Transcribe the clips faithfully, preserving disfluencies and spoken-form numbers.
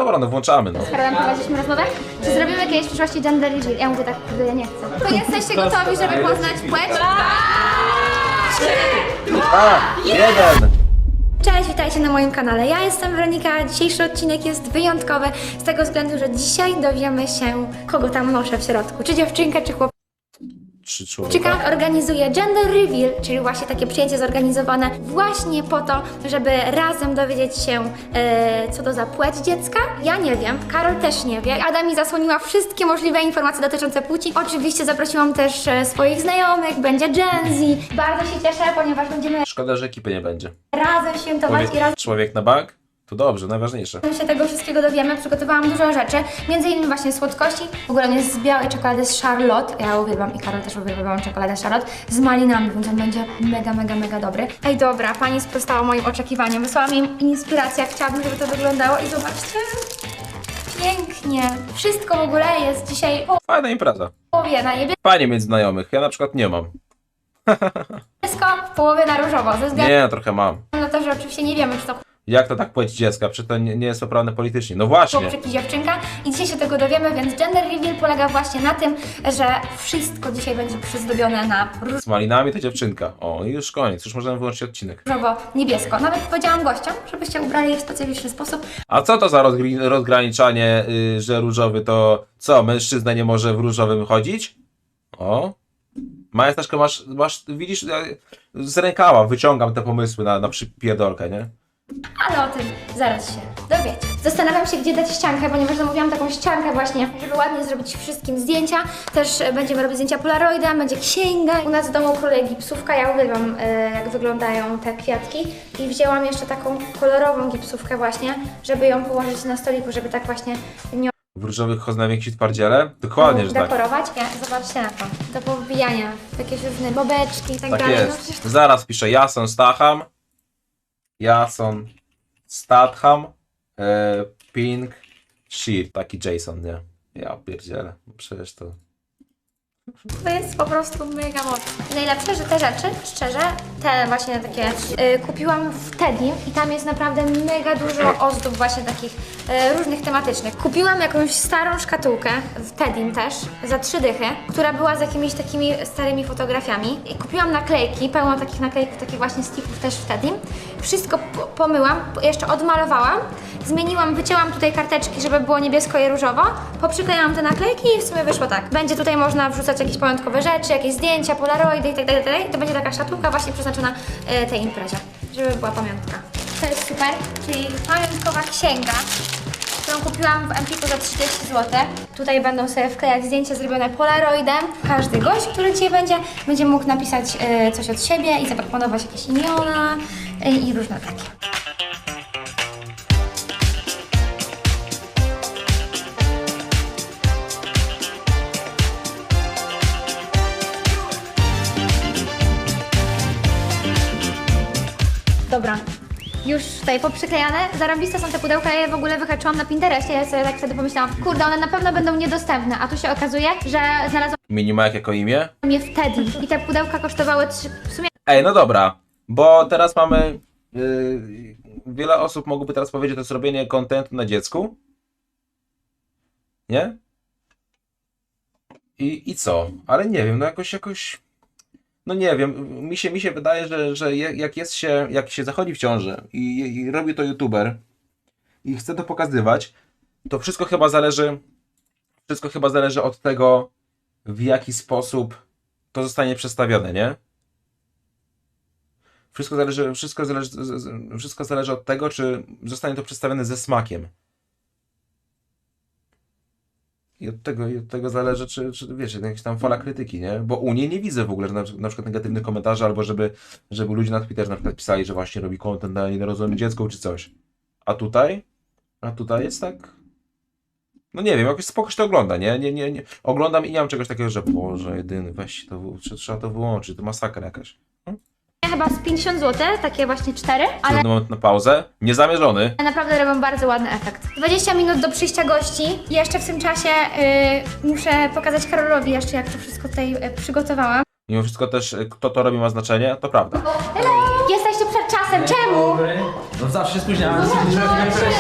dobra, no włączamy, no. Z Karolem prowadziliśmy rozmowę, czy zrobimy kiedyś w przyszłości gender reveal. Ja mówię tak, kurde, ja nie chcę. To jesteście gotowi, żeby poznać płeć? A, jeden! Cześć, witajcie na moim kanale. Ja jestem Weronika. Dzisiejszy odcinek jest wyjątkowy z tego względu, że dzisiaj dowiemy się, kogo tam noszę w środku. Czy dziewczynkę, czy chłopaka. Trzy człowieka. Ciekawe, organizuje gender reveal, czyli właśnie takie przyjęcie zorganizowane właśnie po to, żeby razem dowiedzieć się, e, co to za płeć dziecka. Ja nie wiem, Karol też nie wie. Ada mi zasłoniła wszystkie możliwe informacje dotyczące płci. Oczywiście zaprosiłam też e, swoich znajomych, będzie Gen Z. Bardzo się cieszę, ponieważ będziemy Szkoda, że ekipy nie będzie. razem świętować i Człowiek, razem człowiek na bank? To dobrze, najważniejsze. się tego wszystkiego dowiemy. Przygotowałam dużo rzeczy, między innymi właśnie słodkości. W ogóle on jest z białej czekolady z Charlotte. Ja uwielbiam i Karol też uwielbiam czekoladę Charlotte z malinami, więc on będzie mega, mega, mega dobry. Ej, dobra, pani sprostała moim oczekiwaniom. Wysłała mi inspirację, jak chciałabym, żeby to wyglądało i zobaczcie. Pięknie. Wszystko w ogóle jest dzisiaj w Fajna impreza. połowie na niebiesko, Fajnie między znajomych, ja na przykład nie mam. w połowie na różowo. Ze względu Nie, trochę mam. na to, że oczywiście nie wiemy, czy to Jak to tak płeć dziecka? Przecież to nie, nie jest poprawne politycznie. No właśnie. chłopczyk i dziewczynka i dzisiaj się tego dowiemy, więc gender reveal polega właśnie na tym, że wszystko dzisiaj będzie przyzdobione na Z malinami to dziewczynka. O, i już koniec, już możemy wyłączyć odcinek. różowo-niebiesko. Nawet powiedziałam gościom, żebyście ubrali je w specyficzny sposób. A co to za rozgri- rozgraniczanie, yy, że różowy to co? Mężczyzna nie może w różowym chodzić? O. Majestaszko, masz, masz, widzisz, ja z rękawa wyciągam te pomysły na, na przypierdolkę, nie? Ale o tym zaraz się dowiecie. Zastanawiam się, gdzie dać ściankę, ponieważ zamówiłam taką ściankę właśnie, żeby ładnie zrobić wszystkim zdjęcia. Też e, będziemy robić zdjęcia polaroidem, będzie księga. U nas w domu króluje gipsówka, ja uwielbiam e, jak wyglądają te kwiatki. I wzięłam jeszcze taką kolorową gipsówkę właśnie, żeby ją położyć na stoliku, żeby tak właśnie nią W różowych choznawiek ci twardziele? Dokładnie, że tak. dekorować. Ja, zobaczcie na to. Do powbijania, jakieś różne bobeczki i tak, Tak dalej. No jest. przecież to Zaraz piszę Jason Statham. Jason Statham. E, Pink Sheep. Taki Jason, nie? Ja pierdzielę. Przecież to... To jest po prostu mega mocne. Najlepsze, że te rzeczy, szczerze, te właśnie takie y, kupiłam w Tedim i tam jest naprawdę mega dużo ozdób właśnie takich y, różnych tematycznych. Kupiłam jakąś starą szkatułkę w Tedim też, za trzy dychy, która była z jakimiś takimi starymi fotografiami. I kupiłam naklejki, pełno takich naklejków, takich właśnie sticków też w Tedim. Wszystko po- pomyłam, jeszcze odmalowałam, zmieniłam, wycięłam tutaj karteczki, żeby było niebiesko i różowo, poprzyklejałam te naklejki i w sumie wyszło tak. Będzie tutaj można wrzucać jakieś pamiątkowe rzeczy, jakieś zdjęcia, polaroidy i tak dalej, tak dalej. To będzie taka szatułka właśnie przeznaczona e, tej imprezie, żeby była pamiątka. To jest super, czyli pamiątkowa księga, którą kupiłam w Empiku za trzydzieści złotych. Tutaj będą sobie wklejać zdjęcia zrobione polaroidem. Każdy gość, który dzisiaj będzie, będzie mógł napisać e, coś od siebie i zaproponować jakieś imiona e, i różne takie. Dobra, już tutaj poprzyklejane. Zarąbiste są te pudełka, ja je w ogóle wyhaczyłam na Pinterestie. Ja sobie tak wtedy pomyślałam, kurde, one na pewno będą niedostępne, a tu się okazuje, że znalazłam Minimajek jako imię? je w Teddy i te pudełka kosztowały trzy, w sumie Ej, no dobra, bo teraz mamy... Yy, wiele osób mogłoby teraz powiedzieć, to jest robienie kontentu na dziecku. Nie? I, I co? Ale nie wiem, no jakoś, jakoś... No nie wiem, mi się, mi się wydaje, że, że je- jak jest się, jak się zachodzi w ciąży i, i robi to youtuber i chce to pokazywać, to wszystko chyba zależy, wszystko chyba zależy od tego, w jaki sposób to zostanie przedstawione, nie? Wszystko zależy, wszystko zależy, z- z- wszystko zależy od tego, czy zostanie to przedstawione ze smakiem. I od tego, i od tego zależy, czy, czy wiecie, jakaś tam fala krytyki, nie? Bo u niej nie widzę w ogóle że na, na przykład negatywnych komentarzy, albo żeby, żeby ludzie na Twitterze na przykład pisali, że właśnie robi content na nienarodzonym dziecku, czy coś. A tutaj? A tutaj jest tak... No nie wiem, jakoś spoko się to ogląda, nie? Nie, nie, nie. Oglądam i nie mam czegoś takiego, że Boże, jedyny, weź to, trzeba, trzeba to wyłączyć, to masakra jakaś. chyba z pięćdziesiąt złotych, takie właśnie cztery, ale Trudny moment na pauzę. Niezamierzony. naprawdę robią bardzo ładny efekt. dwadzieścia minut do przyjścia gości i jeszcze w tym czasie yy, muszę pokazać Karolowi jeszcze, jak to wszystko tutaj yy, przygotowałam. Mimo wszystko też, y, kto to robi ma znaczenie, to prawda. Hello! Jesteście przed czasem, czemu? No zawsze się spóźniałem, więc nie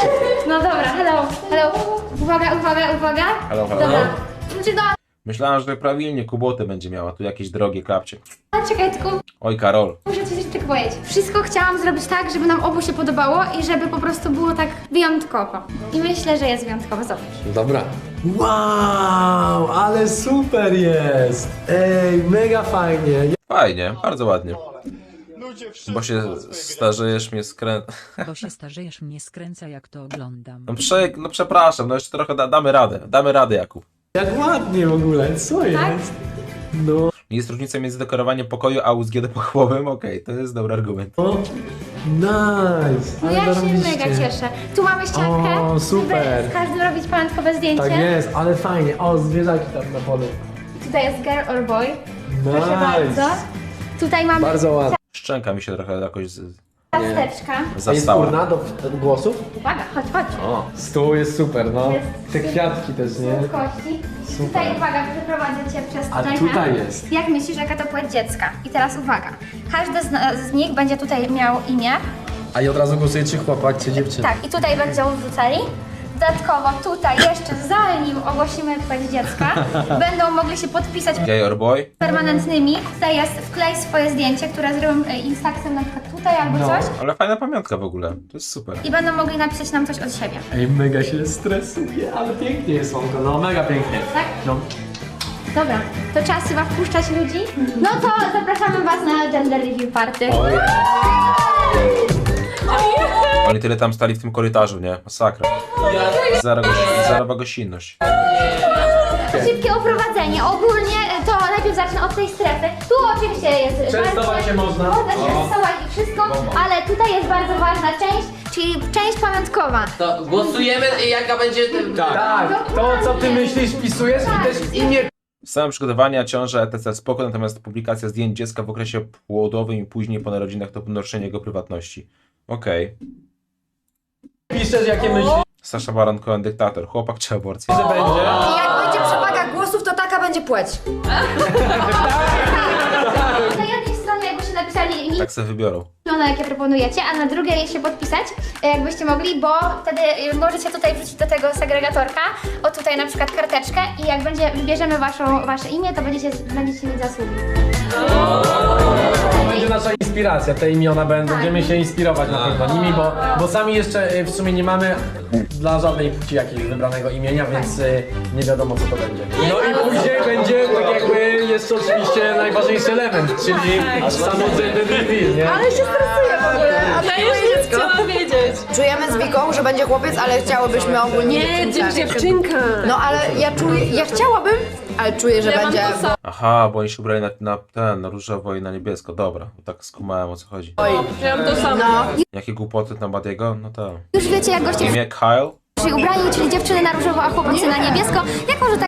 No dobra, hello, hello. Uwaga, uwaga, uwaga. Halo, halo. Dobra. Znaczy, no, Myślałem, że prawilnie Kuboty będzie miała, tu jakieś drogie klapcie. a czekaj, tylko Oj, Karol. muszę coś jeszcze powiedzieć. Wszystko chciałam zrobić tak, żeby nam obu się podobało i żeby po prostu było tak wyjątkowo. I myślę, że jest wyjątkowo, zobacz. Dobra. Wow, ale super jest! Ej, mega fajnie. Fajnie, bardzo ładnie. Bo się starzejesz, mnie skrę... Bo się starzejesz, mnie skręca, jak to oglądam. No, prze... no przepraszam, no jeszcze trochę da, damy radę. Damy radę, Jakub. Jak ładnie w ogóle, co Tak? jest? No, Jest różnica między dekorowaniem pokoju a U S G pochłowym? Okej, to jest dobry argument. o, nice! No Ale ja się zarobiście. mega cieszę. Tu mamy ściankę, O, super. żeby z każdym robić pamiątkowe zdjęcie. Tak jest, ale fajnie. O, zwierzaki tam na polu. Tutaj jest girl or boy. Proszę Nice! bardzo. Tutaj mamy Bardzo ładnie. Szczęka mi się trochę jakoś z... ciasteczka. A jest zastała. urna do do głosów? Uwaga, chodź, chodź. O, stół jest super, no. Jest Te super. kwiatki też, nie? Kości. Super. Tutaj uwaga, przeprowadzę cię przez A tutaj. tutaj ten. jest. Jak myślisz, jaka to płeć dziecka? I teraz uwaga. Każdy z, na- z nich będzie tutaj miał imię. A i od razu głosuje czy chłopak, czy dziewczyna? Tak, i tutaj będą wrzucali. Dodatkowo tutaj jeszcze zanim ogłosimy płeć dziecka, będą mogli się podpisać Gay or boy? permanentnymi. Tutaj jest wklej swoje zdjęcie, które zrobią e, instaxem na przykład tutaj albo No. coś. Ale fajna pamiątka w ogóle. To jest super. I będą mogli napisać nam coś od siebie. Ej, mega się stresuje, ale pięknie jest słonko, no mega pięknie. Tak? No. Dobra, to czas chyba wpuszczać ludzi. No to zapraszamy Was na gender review party. Oni tyle tam stali w tym korytarzu, nie? Masakra. Zero, goś... Zerowa gościnność. Szybkie oprowadzenie. Ogólnie e, to najpierw zacznę od tej strefy. Tu oczywiście jest... Częstować bardzo- się można. Można się O. częstować i wszystko, ale tutaj jest bardzo ważna część, czyli część pamiątkowa. To głosujemy, jaka będzie... Tak, to co ty myślisz, wpisujesz i też imię. Same przygotowania, ciąża, et cetera spoko, natomiast publikacja zdjęć dziecka w okresie płodowym i później po narodzinach to naruszenie jego prywatności. Okej. Piszesz jakie myślisz, Sasza Baron Cohen, dyktator. Chłopak czy aborcja? że będzie. I jak będzie przewaga głosów, to taka będzie płeć. Na jednej stronie jakbyście napisali imię, Tak sobie wybiorą. jakie proponujecie, a na drugiej się podpisać, e, jakbyście mogli, bo wtedy e, możecie tutaj wrzucić do tego segregatorka, o tutaj na przykład karteczkę i jak będzie, wybierzemy waszą, wasze imię, to będziecie, będziecie mieć zasługi. To będzie nasza inspiracja, te imiona będą, będziemy się inspirować na pewno nimi, bo, bo sami jeszcze y, w sumie nie mamy dla żadnej płci jakiegoś wybranego imienia, więc y, nie wiadomo co to będzie. No i później będzie tak jakby jeszcze oczywiście najważniejszy element, czyli samo gender reveal, nie? Ale się stresuję w ogóle. A to jest dziecko. Czujemy z Wiką, że będzie chłopiec, ale chciałybyśmy ogólnie Nie, dziewczynkę. dziewczynka. No ale ja czuję, ja chciałabym, ale czuję, że będzie... Aha, bo oni się ubrali na, na ten, na różowo i na niebiesko. Dobra, tak skumałem o co chodzi. Miałam to samo. No. Jakie głupoty na Badiego? No tak. Już wiecie, jak goście Imię Kyle? przyszli ubrani, czyli dziewczyny na różowo, a chłopacy na niebiesko. Jako, że tak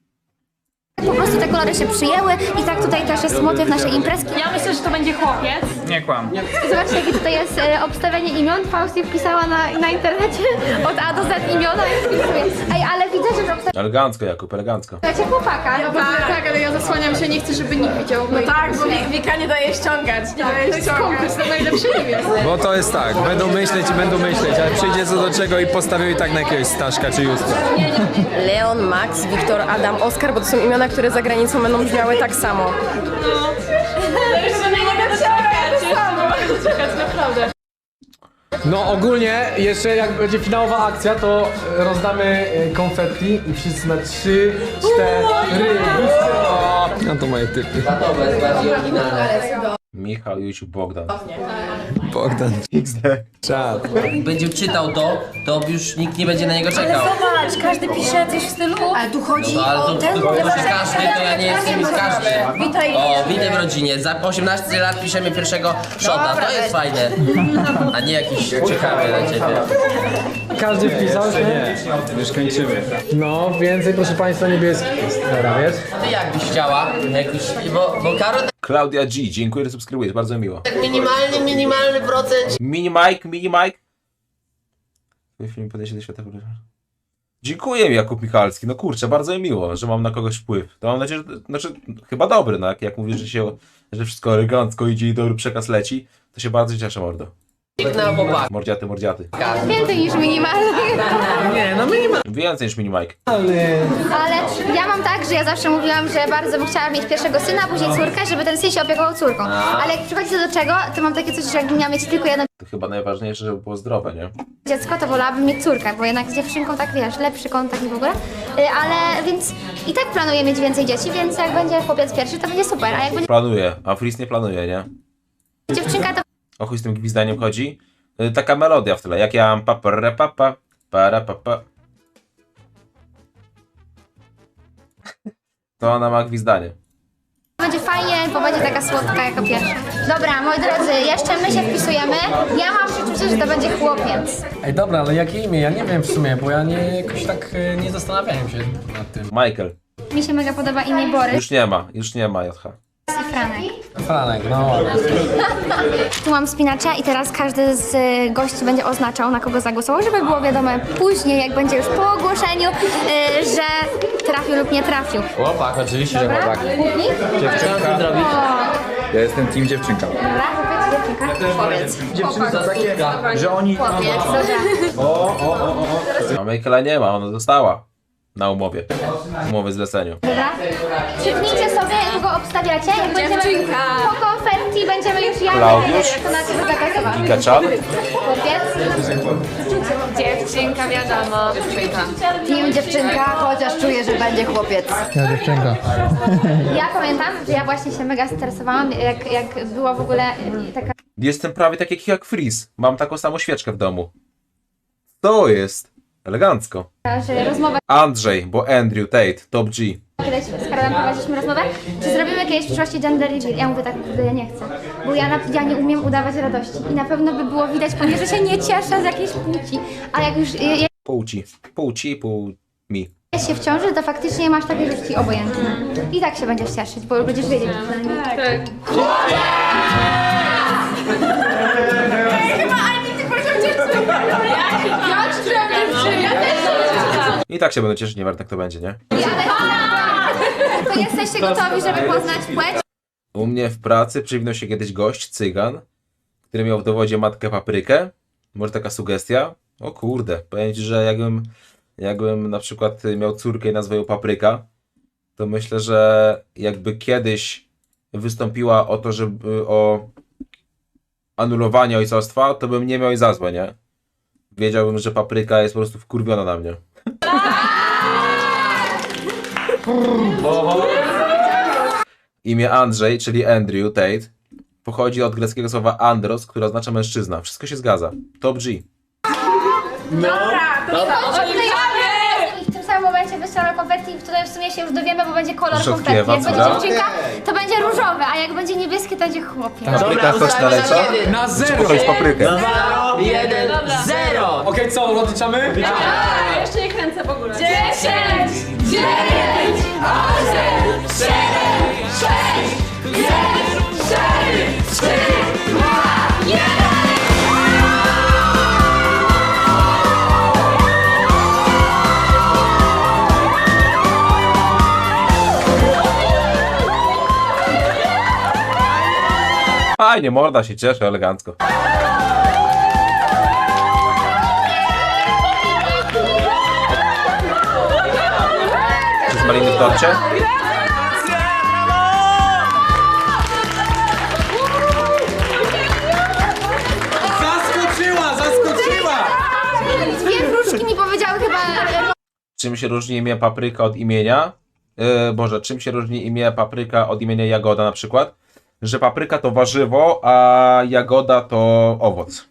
po prostu te kolory się przyjęły i tak tutaj też jest motyw naszej imprezki. Ja myślę, że to będzie chłopiec. Nie kłam. Zobaczcie, jakie tutaj jest e, obstawienie imion. Fausti wpisała na, na internecie od A do Z imiona i wpisuje. Ej, ale widzę, że obstawiacie Elegancko, Jakub, elegancko. chłopaka. No tak, tak, ale ja zasłaniam się, nie chcę, żeby nikt widział. No tak, bo Wika nie daje ściągać. Nie daje to jest konkurs, to najlepszy imię. Bo to jest tak, będą myśleć i będą myśleć, ale przyjdzie co do czego i postawią i tak na jakiegoś Staszka czy Justka. Leon, Max, Wiktor, Adam, Oskar, bo to są imiona, które za granicą będą brzmiały tak samo. No. Jeszcze nie mogę doczekać. Czekać, naprawdę. No ogólnie jeszcze jak będzie finałowa akcja, to e, rozdamy e, konfetti i wszyscy na trzy, cztery. No to moje typy. To jest bardziej oryginalne. Michał, Jusiu, Bogdan. Bogdan. X D. Czad. Jak będzie czytał to, to już nikt nie będzie na niego czekał. Zobacz, każdy pisze coś w stylu... Ale tu chodzi No ale o to, ten... to, to pisze każdy, to ja nie jestem z każdym. Witaj. O, witaj w rodzinie. Za osiemnaście lat piszemy pierwszego shota. To jest fajne. A nie jakiś czekamy na ciebie. Każdy wpisał się? Nie, już kończymy. No, więcej proszę Państwa niebieskich jest. Dobra, wiesz? Ty jak byś chciała? Jakoś, bo, bo Karol Klaudia G, dziękuję, że subskrybujesz, bardzo mi miło. tak minimalny, minimalny procent. Mini Mike, Mini Mike. Twój film podejście do świata. Dziękuję, Jakub Michalski. No kurczę, bardzo mi miło, że mam na kogoś wpływ. To mam nadzieję, że, znaczy, chyba dobry, no jak, jak mówisz, że się, że wszystko elegancko idzie i dobry przekaz leci, to się bardzo cieszę, mordo. Na chłopak. Mordziaty, mordziaty. Więcej niż minimalnie. Nie, no my nie mamy. Więcej niż mini Mike. Ale ja mam tak, że ja zawsze mówiłam, że bardzo bym chciała mieć pierwszego syna, a później córkę, żeby ten syn się opiekował córką. Ale jak przychodzi to do czego, to mam takie coś, że jakbym miała mieć tylko jedno To chyba najważniejsze, żeby było zdrowe, nie? dziecko, to wolałabym mieć córkę, bo jednak z dziewczynką tak wiesz, lepszy kontakt i w ogóle. Y, Ale więc i tak planuję mieć więcej dzieci, więc jak będzie chłopiec pierwszy, to będzie super, a jak będzie Planuje, a Fris nie planuje, nie? dziewczynka, to O chuj z tym gwizdaniem chodzi? Y, Taka melodia w tle, jak ja mam papa, papa, para papa. To ona ma gwizdanie. będzie fajnie, bo będzie taka słodka jako pierwsza. Dobra, moi drodzy, jeszcze my się wpisujemy. Ja mam przeczucie, że to będzie chłopiec. Ej, dobra, ale jakie imię? Ja nie wiem w sumie, bo ja nie jakoś tak e, nie zastanawiałem się nad tym. Gorzej. Mi się mega podoba imię Borys Już nie ma, już nie ma J H. i Franek. Franek, no ładnie. Tu mam spinacza i teraz każdy z y, gości będzie oznaczał, na kogo zagłosował, żeby było wiadome później, jak będzie już po ogłoszeniu, y, że trafił lub nie trafił. Chłopak, oczywiście, że Dobra? chłopak. Łuki? Co ty zrobić? Ja jestem team dziewczynka. Dobra, chłopiec, dziewczynka. Powiedz. Dziewczyny to takie, że oni... Chłopiec, dobra. A Michaela nie ma, ona została na umowie. Umowy zleceniu. Dobra. Krzyknijcie sobie, jak go obstawiacie. Jak będziemy po konferencji będziemy już ja Klaudiusz? to na ciebie zagłosować. Gigachan? Chłopiec? Dziewczynka, wiadomo. Team dziewczynka, chociaż czuję, że będzie chłopiec. Ja pamiętam, że ja właśnie się mega stresowałam, jak, jak była w ogóle y, taka Jestem prawie tak jak, jak Fris. Mam taką samą świeczkę w domu. To jest elegancko. że rozmowa, Andrzej, bo Andrew Tate, Top G. kiedyś z Karolem prowadziliśmy rozmowę, czy zrobimy kiedyś w przyszłości gender reveal. Ja mówię tak, że ja nie chcę, bo ja, na, ja nie umiem udawać radości i na pewno by było widać po mnie, że się nie cieszę z jakiejś płci, a jak już je, Płci. Płci, pół mi. jest się w ciąży, to faktycznie masz takie, że ci obojętne. I tak się będziesz cieszyć, bo będziesz wiedzieć przynajmniej. Tak. I tak się będę cieszyć, nieważne kto będzie, nie? To jesteście gotowi, żeby poznać płeć? U mnie w pracy przywinął się kiedyś gość, cygan, który miał w dowodzie matkę paprykę. Może taka sugestia? O kurde, powiem ci, że jakbym, jakbym na przykład miał córkę i nazwał ją Papryka, to myślę, że jakby kiedyś wystąpiła o to, żeby o anulowanie ojcostwa, to bym nie miał jej za złe, nie? Wiedziałbym, że Papryka jest po prostu wkurwiona na mnie. Imię Andrzej, czyli Andrew Tate, pochodzi od greckiego słowa andros, które oznacza mężczyzna. Wszystko się zgadza. Top G. I w tym samym momencie wystrzelamy konfetti i tutaj w sumie się już dowiemy, bo będzie kolor Rzodkiewa, konfetti. Jak będzie dobra. dziewczynka, to będzie różowe, a jak będzie niebieskie, to będzie chłopiec. Papryka ktoś naleca? Na zero! To jest paprykę. Zero, jeden, zero! Okej, co, rozliczamy? Ja jeszcze nie kręcę w ogóle. Dziesięć! Dziewięć! osiem, siedem, sześć, pięć, cztery, trzy, dwa, jeden! Fajnie, morda się cieszy elegancko. Czy z maliny w torcie? Zaskoczyła, zaskoczyła! Dwie wróżki mi powiedziały chyba... Czym się różni imię Papryka od imienia? Yy, Boże, czym się różni imię Papryka od imienia Jagoda na przykład? Że papryka to warzywo, a jagoda to owoc.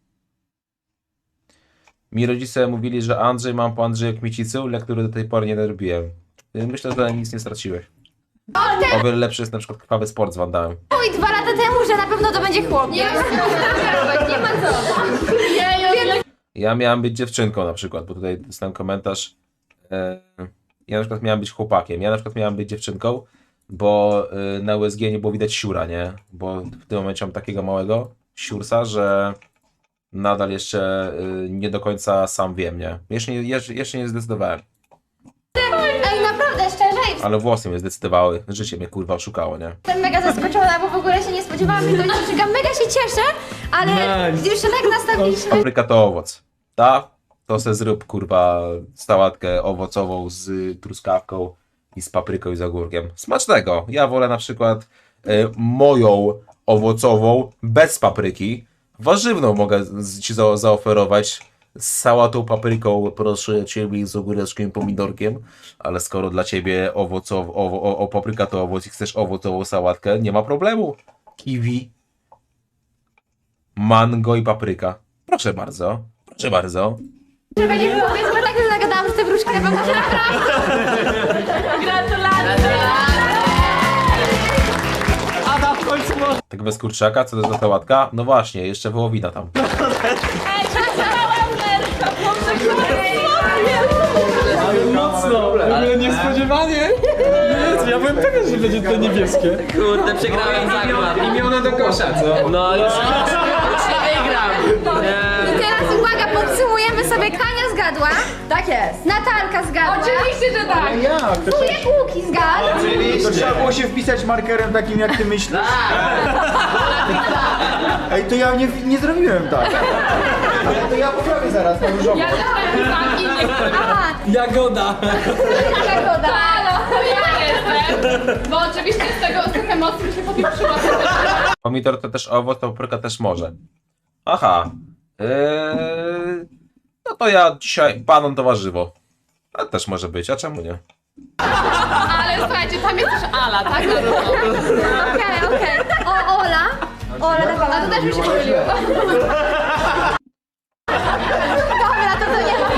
Mi rodzice mówili, że Andrzej mam po Andrzeju Kmicicu, lektury do tej pory nie robiłem. Yy, Myślę, że nic nie straciłeś. O wiele lepszy jest na przykład krwawy sport z Van Damme. Mój dwa lata temu, że na pewno to będzie chłopiec. Nie ma co. Ja miałem być dziewczynką na przykład, bo tutaj dostałem komentarz. e, Ja na przykład miałem być chłopakiem. Ja na przykład miałem być dziewczynką, bo e, na U S G nie było widać siura, nie? Bo w tym momencie mam takiego małego siursa, że nadal jeszcze e, nie do końca sam wiem, nie? Jeszcze nie, jeszcze, jeszcze nie zdecydowałem. Ej, naprawdę, szczerze, Ale włosy mnie zdecydowały. Życie mnie kurwa oszukało, nie? jestem mega zaskoczona, bo w ogóle się nie spodziewałam, że to będzie dziewczynka. Mega się cieszę, ale Nice. już się tak nastawiliśmy. Papryka to owoc. Ta to se zrób kurwa sałatkę owocową z truskawką i z papryką i z ogórkiem. Smacznego. Ja wolę na przykład y, moją owocową bez papryki. Warzywną mogę z- ci za, zaoferować z sałatą, papryką, proszę ciebie, z ogóreczkiem i pomidorkiem, ale skoro dla ciebie owocow, owo, o, o, papryka to owoc i chcesz owocową sałatkę, nie ma problemu. Kiwi, mango i papryka. Proszę bardzo, proszę bardzo. Że będzie chłopiec, bo tak już zagadałam, że te wróżki na pewno się Tak bez kurczaka, co to jest za sałatka? No właśnie, jeszcze wołowina tam. Mocno! Ale niespodziewanie! Jezu, ja byłem pewien, że będzie to niebieskie. Kurde, przegrałem zakład. Imiona do kosza, co? No już, już nie wygram. Nie. I teraz uwaga, podsumujemy sobie. Kania zgadła. Tak jest. Natalka zgadła. Oczywiście, że tak. Jak? To, Wujek Łuki zgadł. to trzeba było się wpisać markerem takim, jak ty myślisz. Ej, to ja nie, nie zrobiłem tak. Ale to ja poprawię zaraz na różowo. Ja też tak innych. Aha, Jagoda! Jagoda. To ja jestem. Bo oczywiście z tego, z tych emocji się popieprzyła. Pomidor to też owoc, to papryka też może. Aha. Eee, no to ja dzisiaj banan to warzywo. To też może być, a czemu nie? Ale słuchajcie, tam jest też Ala, tak? Na różowo. Okej, okej. O, Ola. Ola dawała. A to też mi się pomyliło. Dobra, to to nie.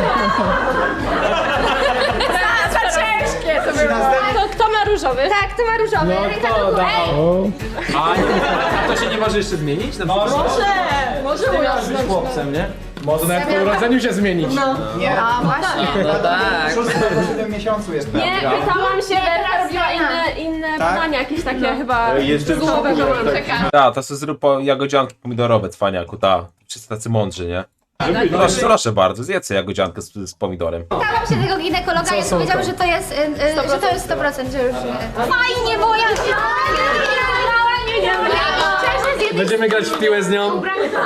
Za ciężkie to było. To kto ma różowy? Tak, to ma różowy. No Rita, to to da. Ej, A, nie, a to się nie może jeszcze zmienić? Na przykład? Może! Może Ty ująć. miałeś być chłopcem, nie? Może nawet po urodzeniu się zmienić. Nie. A właśnie. No tak. Szósty albo siódmym miesiącu jest Nie, prawda. pytałam się, Werka teraz robiła scena. inne, inne Tak? badania, jakieś takie chyba Jestem w złowe, szoku, że mam tak. czekać. Ta, to sobie zrób po jagodzianki pomidorowe, cwaniaku, ta. Wszyscy tacy mądrzy, nie? Proszę, proszę bardzo, zjedzcie jagodziankę z, z pomidorem. Pytałam się tego ginekologa i on są powiedział, to? że to jest, y, y, że to jest sto procent, że już... y, Fajnie, bo ja się... Nie, nie, nie, szczerze, z jednej Będziemy grać w piłę z nią.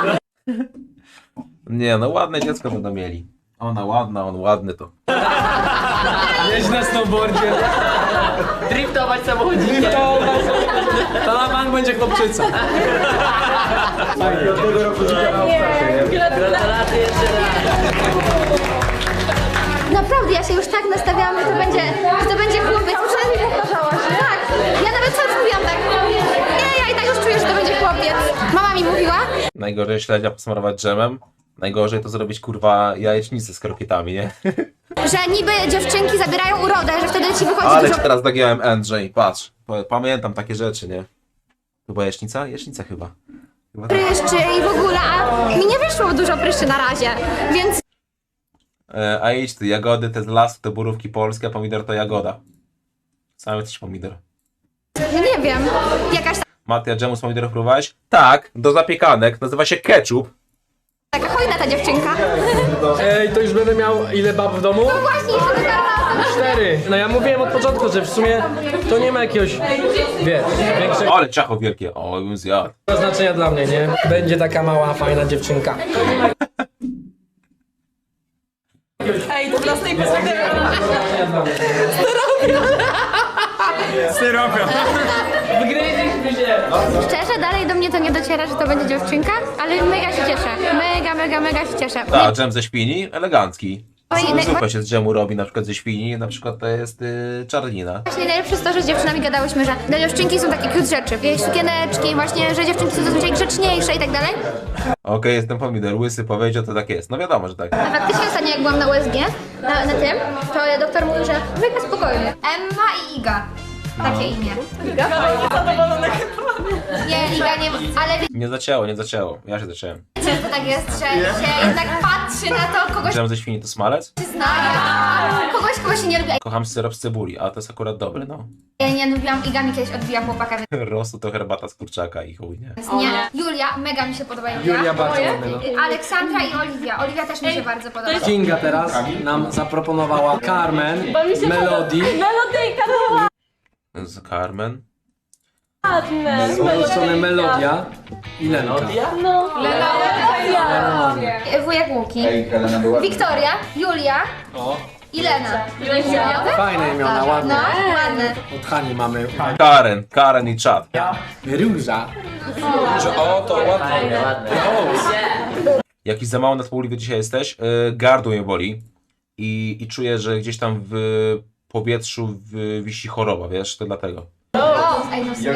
Nie, no ładne dziecko będą mieli. Ona ładna, on ładny to. Jeźdź na snowboardzie. Driftować samochodzikiem. To na bank będzie chłopczyca. Od tego roku życia na obcasie, nie? Gratulacje jeszcze raz. Naprawdę, ja się już tak nastawiałam, że to będzie, że to będzie chłopiec. Przynajmniej powtarzałaś. Tak. Ja nawet sam mówiłam tak. Nie, ja i tak już czuję, że to będzie chłopiec. Mama mi mówiła. Najgorzej śledzia posmarować dżemem. Najgorzej to zrobić kurwa jajecznicę z krokietami, nie? Że niby dziewczynki zabierają urodę, że wtedy ci wychodzi Ale dużo teraz nagiąłem Andrzej, patrz. Pa- Pamiętam takie rzeczy, nie? To była jasznica? Jasznica chyba. chyba tak. pryszczy i w ogóle, a mi nie wyszło dużo pryszczy na razie, więc E, a idź ty, jagody to z lasu, to borówki polskie, a pomidor to jagoda. Sam jesteś pomidor. nie wiem, jakaś Matia, dżemu z pomidorów próbowałeś? Tak, do zapiekanek, nazywa się ketchup. taka hojna ta dziewczynka. Ej, to już będę miał ile bab w domu? Właśnie, jeszcze dotarłam. Cztery. No ja mówiłem od początku, że w sumie to nie ma jakiegoś, wiesz, większego Ale ciacho wielkie, o, bym zjadł. znaczenia dla mnie, nie? Będzie taka mała, fajna dziewczynka. Ej, to dla tej posady. Styropian. Wgryźliśmy się. Szczerze, dalej do mnie to nie dociera, że to będzie dziewczynka, ale mega się cieszę. Mega, mega, mega się cieszę. Tak, dżem ze świni, elegancki. Oj, naj- Zupę się z dżemu robi na przykład ze świni, na przykład to jest y, czarnina. Właśnie najlepsze jest to, że z dziewczynami gadałyśmy, że dla dziewczynki są takie cute rzeczy. Jakieś sukieneczki, właśnie, że dziewczynki są zazwyczaj grzeczniejsze i tak dalej. Okej, jestem pomidor, łysy powiedział, to tak jest. No wiadomo, że tak. A faktycznie ostatnio jak byłam na U S G, na, na tym, to doktor mówił, że mega spokojnie. Emma i Iga. Takie imię. Iga? Nie, Iga nie, ale Nie zacięło, nie zacięło. Ja się zacząłem. wiecie, że to tak jest, że się jednak patrzy na to, kogoś Dżem ze świni to smalec? zna, a kogoś, kogo się nie lubi. Kocham syrop z cebuli, a to jest akurat dobry, no. Ja nie lubiłam, Iga mi kiedyś odbija chłopaka, Rosu to herbata z kurczaka i chuj, nie? więc nie. Julia, mega mi się podoba Julia. Julia bardzo ładna, no. Aleksandra i Oliwia. Oliwia też mi się bardzo podoba. Kinga teraz nam zaproponowała Carmen, Melody, Melodyjka to była Z Carmen. ładne. z mojej strony Melodia i Lenka. No. Wujek Łuki, Ej, Helena była... Wiktoria, Julia i Lena. Fajne imiona, ładne. No, ładne. Od Hani mamy Karen, Karen i czat. Róża. O, to ładnie. Fajne, ładne. Jakiś za mało nadpobudliwy dzisiaj jesteś, yy, gardło mnie boli i, i czuję, że gdzieś tam w powietrzu w, wisi choroba, wiesz, to dlatego. Rose, ej, no sobie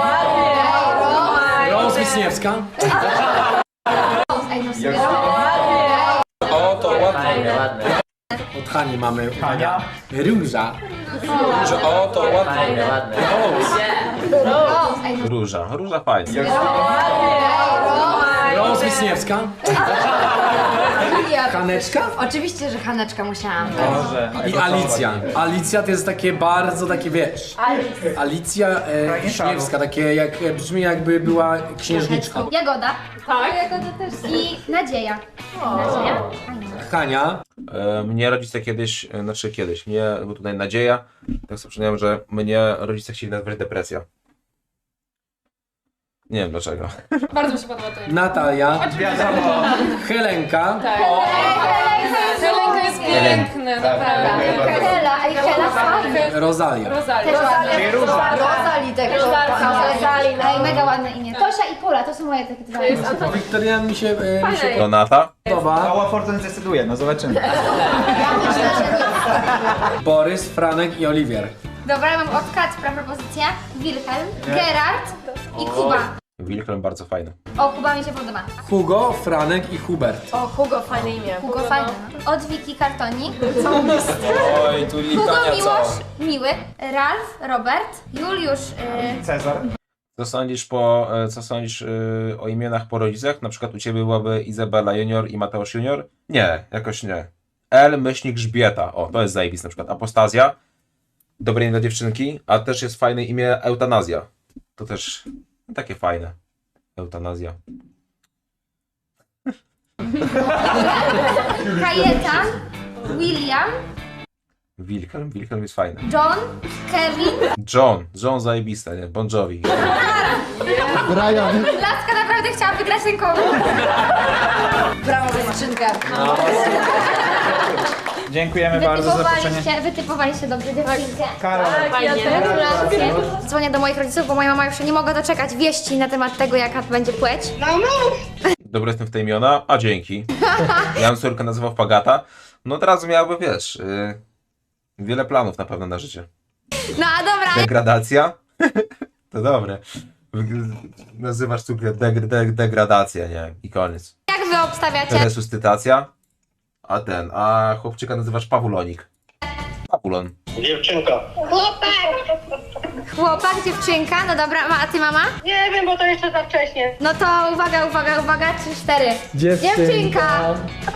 Rose Wisniewska. Rose, ej, no sobie O, to ładnie. Fajne, ładne. Od Hani mamy Róża. O, to ładnie. Fajne, ładne. Rose, ej, no Róża, róża fajna. Rose Wisniewska. Haneczka? Oczywiście, że Haneczka musiałam. I Alicja. Alicja to jest takie bardzo takie, wiesz... Alicja e, Wiśniewska, takie jak, e, brzmi jakby była księżniczka. Jagoda. Tak. Jagoda też. I Nadzieja. Nadzieja? Hania. E, mnie rodzice kiedyś, e, znaczy kiedyś, mnie, bo tutaj nadzieja, tak sobie przypomniałem, że mnie rodzice chcieli nazwać depresja. Nie wiem dlaczego. Bardzo mi się podoba to. Natalia. Helenka. Helenka jest piękny, naprawdę. Hela, ej, Hela fajna. Rosalia. Rosalia. Rozali tego. Ej, mega ładne imię. Tosia i Pola, to są moje takie dwa imiona. Wiktoria mi się, e, mi się Donata? podoba. Mała Fortuna zdecyduje, no zobaczymy. Borys, Franek i Oliwier. Dobra, ja mam od Kacpra propozycję. Wilhelm, Gerard i Kuba. Wilhelm bardzo fajny. O, Kuba mi się podoba. Hugo, Franek i Hubert. O, Hugo, fajne imię. Hugo fajny. no. Od Wiki Kartonik. Oj, tu Hugo litania Miłosz, cała. Miły. Ralf, Robert. Juliusz, y, Cezar. Co sądzisz, po, e, co sądzisz y, o imionach po rodzicach? Na przykład u ciebie byłaby Izabela Junior i Mateusz Junior? Nie, jakoś nie. L myślnik Grzbieta. O, to jest zajebis na przykład. Apostazja. Dobre imię dla dziewczynki. A też jest fajne imię Eutanazja. To też takie fajne. Eutanazja. Kajetan, William, Wilhelm. Wilhelm jest fajny. John, Kevin. John. John zajebiste, nie? Bon Jovi. Brian. Laska naprawdę chciała wygrać ten konkurs. Brawo za skrzynkę. Dziękujemy bardzo za zaproszenie. Wytypowaliście, wytypowaliście dobrze dziewczynkę. Karol. Gratulacje. Dzwonię do moich rodziców, bo moja mama już się nie mogła doczekać wieści na temat tego, jaka będzie płeć. Dobry jestem w te imiona, a dzięki. Ja bym córkę nazywał Pagata. No teraz miałby, wiesz, yy, wiele planów na pewno na życie. No a dobra, Degradacja? To dobre. Wyg- Nazywasz córkę deg- deg- degradacja, nie? I koniec. jak wy obstawiacie? Resuscytacja. A ten, a chłopczyka nazywasz Pawulonik. Pawulon. Chłopak, dziewczynka, no dobra, ma- a ty mama? Nie wiem, bo to jeszcze za wcześnie. No to uwaga, uwaga, uwaga, trzy, cztery. Dziewczynka.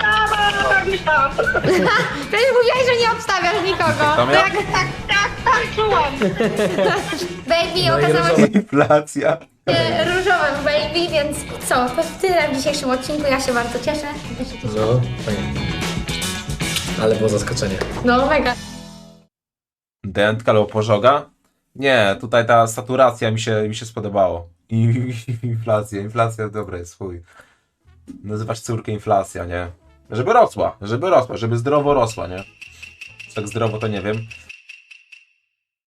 Przecież mówiłaś, że nie obstawiasz nikogo. To To miał- jak, tak, tak, tak, czułam. Baby, No i okazało różowe. Inflacja. się różowym baby, więc co, to tyle w dzisiejszym odcinku, ja się bardzo cieszę. Wy się cieszycie? No, fajnie. Ale było zaskoczenie. No mega. Dętka albo pożoga? Nie, tutaj ta saturacja mi się, mi się spodobało. I inflacja, inflacja dobra jest, chuj. Nazywasz córkę inflacja, nie? Żeby rosła, żeby rosła, żeby zdrowo rosła, nie? Tak zdrowo to nie wiem.